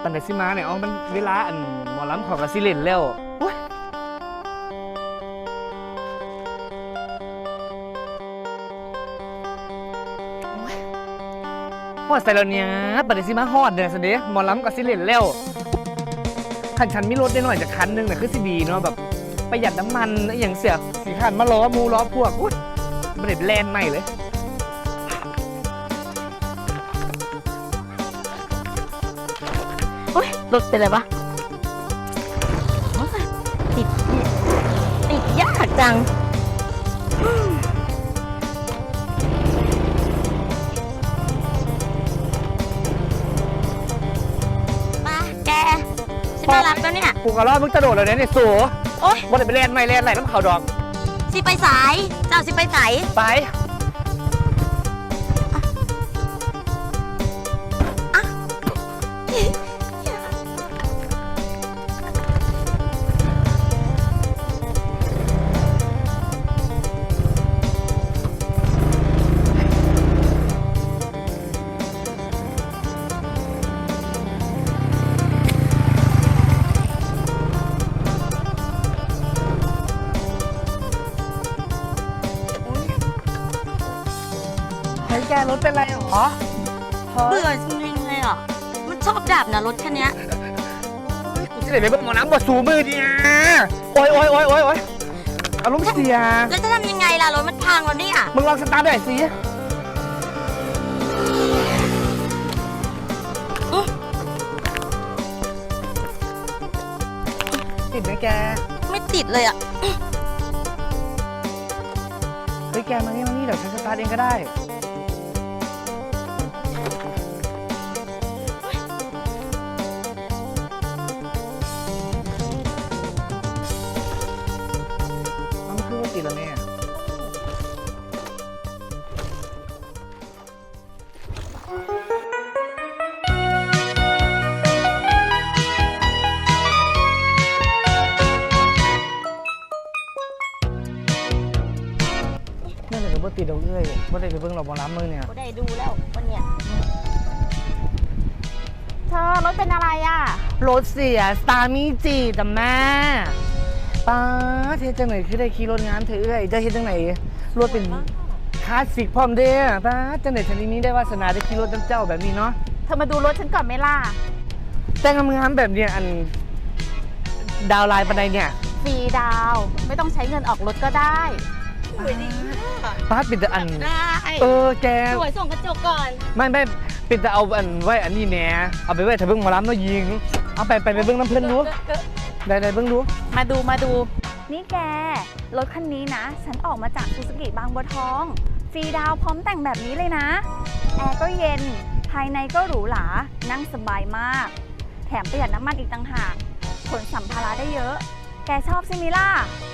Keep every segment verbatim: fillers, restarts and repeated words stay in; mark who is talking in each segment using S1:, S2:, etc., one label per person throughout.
S1: ปันไดซิมาเนี่ยอ๋อมันเวลาอันหมอลำของกระซิเล่นแล้วฮอดใส่แล้วเนี่ยปันไดซิมาฮอดเนี่ยสิเดหมอลำกระซิเล่นแล้วคันฉันมีรถได้หน่อยจากคันนึงเนี่ยคือสิดีเนาะแบบประหยัดน้ำมันอย่างเสียสีขันมาล้อมูล้อพวกอุ้ยมันเด็ดแลนใหม่เลย
S2: โอ๊ยรถเป็นไรวะติดติดยากจังมาแกฉันมารับแล้วเนี่ย
S1: กูกระรอกมึงกระโดดเลยเนี่ยสู
S2: โอ๊ย
S1: วันไหนไปแลนใหม่แลนไหลน้ำเขาดอก
S2: สิไปสายเจ้าสิไปสาย
S1: ไปเฮ้ยแกรถเป็นไรหรอ
S2: เบื่อจริงๆเลยอ่ะมันชอบดับนะรถคันนี้
S1: กูจะไหนไปเบิ่งหมอน้ำบดสูมือเนี่ยโอ้ยโอ้ยโอ้ยโอ้ยโอ้ยอารมณ์เสีย
S2: แล้วจะทำยังไงล่ะรถมันพังแล้วเนี่ย
S1: มึงลองสตาร์ทหน่อยสิติดไหมแก
S2: ไม่ติดเลยอ่ะ
S1: เฮ้ยแกมานี่มานี่เดี๋ยวฉันสตาร์ทเองก็ได้มันคือว่าติดแล้วเนี่ยนี่เลยก็บ่ติดดอกเอ้ยบ่ได้ไปเบิ่งหรอกบ่ล้ำมือเนี่ย
S2: บ่ได้ดูแล้ววันเนี้ย
S3: เธอรถเป็นอะไรอ่ะ
S1: รถเสียสตาร์มีจีแต่แม่ป้าเทจังไหนคือได้ขี่รถงานเธอเอ้ยจะเฮ็ดจังไหนรถเป็นคลาสสิกพร้อมเด้อป้าจังไหนชนิดนี้ได้วาสนาได้ขี่รถน้ำเจ้าแบบนี้เนาะ
S3: เธอมาดูรถฉันก่อนไหมล่ะ
S1: แต่งงานแบบเนี้ยอันดาวไลน์ปันใดเนี่ย
S3: ฟรีดาวไม่ต้องใช้เงินออกรถก็ได้
S2: สวยดี
S1: ป้าปิดแต่อัน
S2: ได้
S1: เออแก
S2: สวยส่งกระจกก่อน
S1: ไม่ไม่ปิดแต่เอาอันไว้อันนี้แหน่เอาไปไว้ถ้าเบิ่งหมอลำเนาะยิงเอาไปไปไปเบิ่งน้ำเพิ่นดูได้ได้เบิ่งดู
S3: มาดูมาดูนี่แกรถคันนี้นะฉันออกมาจากซูซูกิบางบัวทองฟรีดาวพร้อมแต่งแบบนี้เลยนะแอร์ก็เย็นภายในก็หรูหรานั่งสบายมากแถมประหยัดน้ำมันอีกต่างหากขนสัมภาระได้เยอะแกชอบใช่ไหมล่ะ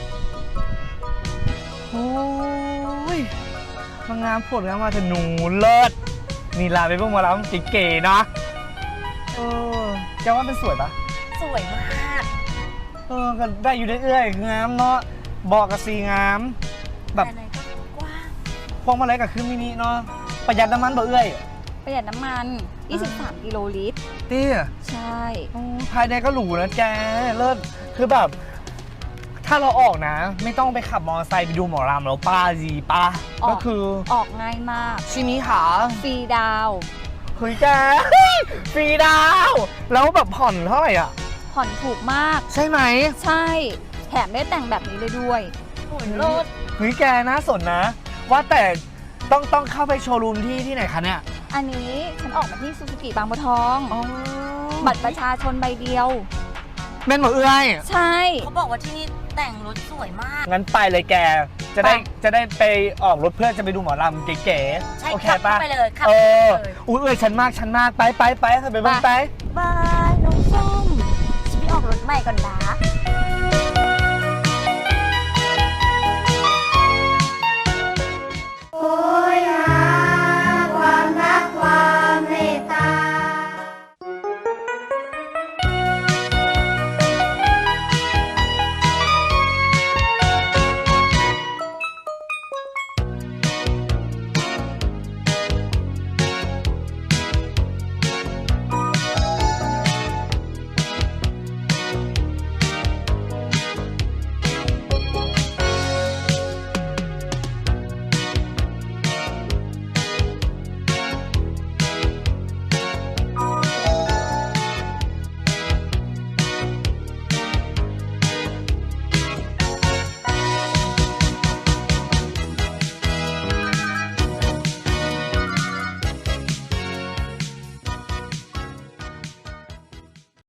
S1: โอ้ยมางามผลงานมาแต่หนูเลิศนี่ลาไปเบิ่งหมอลำเก๋ๆเนาะเออแกว่ามันสวยปะ
S2: สวยมาก
S1: เออก็ได้อยู่เรื่อยๆงามเนาะบอกกับสีงามแบบ
S2: กว้าง
S1: พวงมาลัยกับคือมินิเนาะประหยัดน้ำมันบ่เอ้ย
S3: ประหยัดน้ำมันยี่สิบสามกิโลลิตร
S1: เตี้ย
S3: ใช่
S1: ภายในก็หรูนะแกเลิศคือแบบถ้าเราออกนะไม่ต้องไปขับมอเตอร์ไซค์ไปดูหมอลำแล้วป้าจีป้าก็คือ
S3: ออกง่ายมาก
S1: ชิมิหา
S3: ฟรีดาว
S1: เฮ้ยแกฟรีดาวแล้วแบบผ่อนเท่าไหร่อ่ะ
S3: ผ่อนถูกมาก
S1: ใช่ไหม
S3: ใช่แถมได้แต่งแบบนี้เลยด้วย
S2: โอ้ยรถ
S1: เฮ้ยแกน่าสนนะว่าแต่ต้องต้องเข้าไปโชว์รูมที่ที่ไหนคะเนี่ย
S3: อันนี้ฉันออกมาที่ซูซูกิบางบัวทองบัตรประชาชนใบเดียว
S1: แม่นหมดเอ้ย
S3: ใช่
S2: เขาบอกว่าที่นี่แต่งรถสวยมาก
S1: งั้นไปเลยแกจะได้จะได้ไปออกรถเพื่อจะไปดูหมอลำเก๋
S2: ๆใช่ขับไปเลยขับ
S1: เอออุ้ยเอ้ยฉันมากฉันมากไปไปไปไปไปไป
S2: บายน้องส้มฉันไปออกรถใหม่ก่อนนะ